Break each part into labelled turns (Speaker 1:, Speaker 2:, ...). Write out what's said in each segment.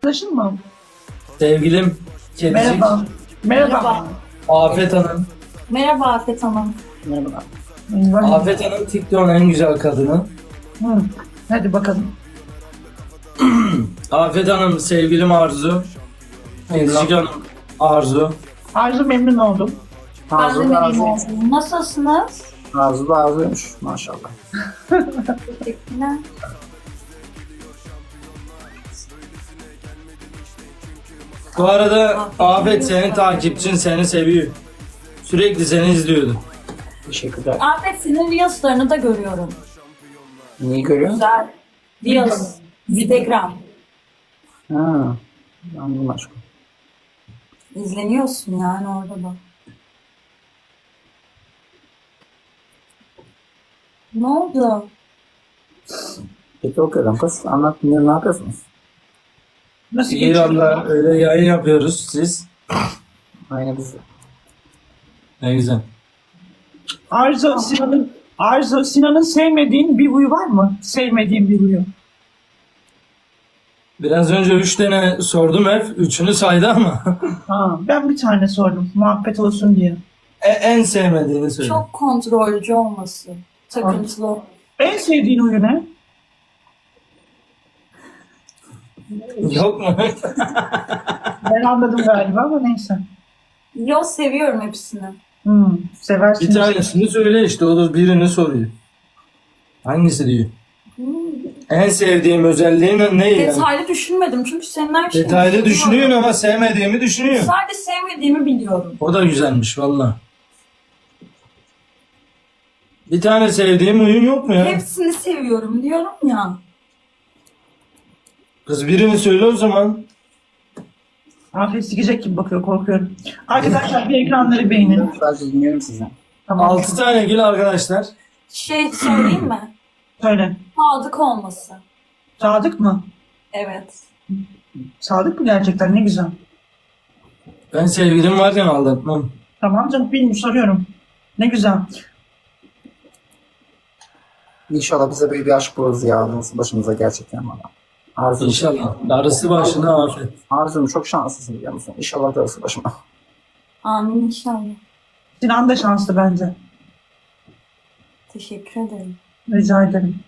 Speaker 1: Arkadaşın mı?
Speaker 2: Sevgilim Kedicik.
Speaker 1: Merhaba. Merhaba.
Speaker 2: Afet Hanım.
Speaker 3: Merhaba Afet Hanım.
Speaker 1: Merhaba.
Speaker 2: Afet Hanım TikTok'un en güzel kadını.
Speaker 1: Hı. Hadi bakalım.
Speaker 2: Afet Hanım sevgilim Arzu. Kedicik Hanım Arzu.
Speaker 1: Arzu memnun oldum.
Speaker 3: Ben de
Speaker 4: Arzu
Speaker 3: memnun
Speaker 4: Arzu.
Speaker 3: oldum. Nasılsınız?
Speaker 4: Arzu da Arzu'ymuş maşallah.
Speaker 3: Teşekkürler.
Speaker 2: Bu arada Afet senin takipçin seni seviyor. Sürekli seni izliyordu.
Speaker 4: Teşekkürler.
Speaker 3: Afet senin Reels'larını da görüyorum.
Speaker 4: Neyi görüyorsun?
Speaker 3: Güzel. Reels. Instagram.
Speaker 4: Ha. Anladım aşkım.
Speaker 3: İzleniyorsun yani orada da. Ne oldu?
Speaker 4: Peki okuyorum kız. Anlat dinliyorum, ne yapıyorsunuz?
Speaker 1: Nasıl geçiyor?
Speaker 2: İran'da öyle yayın yapıyoruz siz.
Speaker 4: Aynı biz.
Speaker 2: Ne güzel.
Speaker 1: Arzu Sinan'ın sevmediğin bir huyu var mı? Sevmediğin bir huyu.
Speaker 2: Biraz önce 3 tane sordum hep. 3'ünü saydı ama.
Speaker 1: Ha, ben bir tane sordum. Muhabbet olsun diye.
Speaker 2: En sevmediğini söyle.
Speaker 3: Çok kontrolcü olması. Takıntılı.
Speaker 1: En sevdiğin huyu ne?
Speaker 2: Yok mu?
Speaker 1: Ben anladım galiba ama neyse.
Speaker 3: Yo, seviyorum hepsini.
Speaker 1: Seversin.
Speaker 2: Bir tanesini söyle işte. O da birini soruyor. Hangisi diyor? En sevdiğim özelliğin ne yani?
Speaker 3: Detaylı düşünmedim çünkü senin her şeyini
Speaker 2: Detaylı
Speaker 3: seviyorum.
Speaker 2: düşünüyorsun ama sevmediğimi düşünüyorsun.
Speaker 3: Sadece sevmediğimi biliyorum.
Speaker 2: O da güzelmiş valla. Bir tane sevdiğim oyun yok mu ya?
Speaker 3: Hepsini seviyorum diyorum ya.
Speaker 2: Kız birini söyle o zaman.
Speaker 1: Afiyet sikecek gibi bakıyor, korkuyorum. Arkadaşlar bir ekranları beğenin.
Speaker 4: Sadece dinliyorum sizi.
Speaker 1: Tamam.
Speaker 2: 6 tane gül arkadaşlar.
Speaker 3: Şey söyleyeyim mi?
Speaker 1: Söyle.
Speaker 3: Sadık olması.
Speaker 1: Sadık mı?
Speaker 3: Evet.
Speaker 1: Sadık mı gerçekten? Ne güzel.
Speaker 2: Ben sevgilim varken aldatmam.
Speaker 1: Tamam canım, bilmiyorum, soruyorum. Ne güzel.
Speaker 4: İnşallah bize böyle bir aşk buluruz ya. Nasıl başımıza gerçekten bana. Arzu'm,
Speaker 2: İnşallah. Darısı başına afet.
Speaker 4: Arzu'm çok şanslısın biliyor musun? İnşallah darısı başıma.
Speaker 3: Amin inşallah.
Speaker 1: Sinan da şanslı bence.
Speaker 3: Teşekkür ederim.
Speaker 1: Rica ederim.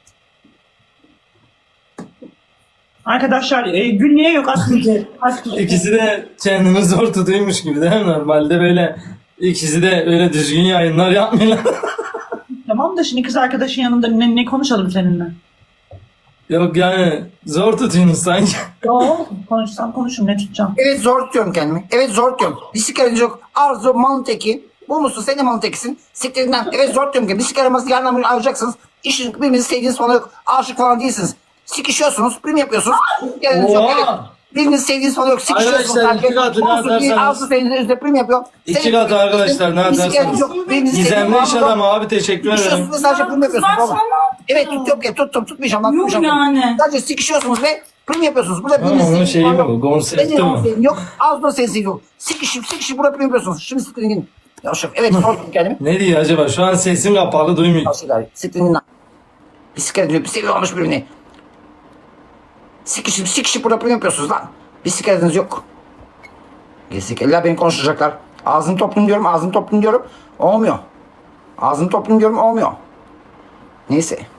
Speaker 1: Arkadaşlar Gül niye yok aslında?
Speaker 2: İkisi de kendini zor tutuyormuş gibi değil mi? Normalde böyle ikisi de öyle düzgün yayınlar yapmıyorlar.
Speaker 1: Tamam da şimdi kız arkadaşın yanında ne konuşalım seninle?
Speaker 2: Yok yani zor tutuyorsunuz sanki.
Speaker 1: Yok, konuşsam konuşurum, ne tutacağım?
Speaker 4: Evet zor tutuyorum kendimi. Evet zor tutuyorum. Bir sigaranız yok. Arzu malın teki. Bu musun? Sen de malın tekisin. Siktirinden. Evet zor tutuyorum kendimi. Bir sigaramızı yarın bunu alacaksınız. İşin birbirinizi sevdiğiniz falan yok. Aşık falan değilsiniz. Sikişiyorsunuz. Prim yapıyorsunuz. Sigaranız yok. Evet.
Speaker 2: Oha!
Speaker 4: Birbirinizi sevdiğiniz falan yok. Sikişiyorsunuz.
Speaker 2: Arkadaşlar, iki katını atarsanız-
Speaker 4: Arzu senin üzerinde prim yapıyor.
Speaker 2: İki katı arkadaşlar, ne atarsanız. Gizemli iş adamı abi, teşekkür ederim.
Speaker 4: Sikişiyorsunuz sadece prim yapıyorsunuz.
Speaker 3: Kızlar
Speaker 4: oğlum.
Speaker 3: sana
Speaker 4: Evet tuttum. Tutmayacağım lan.
Speaker 3: Yok
Speaker 4: Tutmayacağım.
Speaker 3: yani.
Speaker 4: Sadece sikişiyorsunuz ve prim yapıyorsunuz. Burada
Speaker 2: Ha,
Speaker 4: birbirinizi
Speaker 2: onun
Speaker 4: sevdiğiniz
Speaker 2: şeyi
Speaker 4: falan
Speaker 2: bu,
Speaker 4: yok.
Speaker 2: konsepti
Speaker 4: Benim
Speaker 2: bu.
Speaker 4: sevdiğim yok. Ağzımda sensin yok. Sikişip burada prim yapıyorsunuz. Şimdi siktirin gidin. Yavşak. Evet sordum kendimi.
Speaker 2: Ne diyor acaba? Şu an sesim kapalı, duymuyor.
Speaker 4: Yavşak. Siktirin gidin lan. Bisiklet diyor. Seviyormuş birbirini. Sikişip burada prim yapıyorsunuz lan. Bisikletiniz yok. Gerizekalılar beni konuşacaklar. Ağzını toplayın diyorum. Olmuyor. Ağzını toplayın diyorum. Olmuyor. Neyse.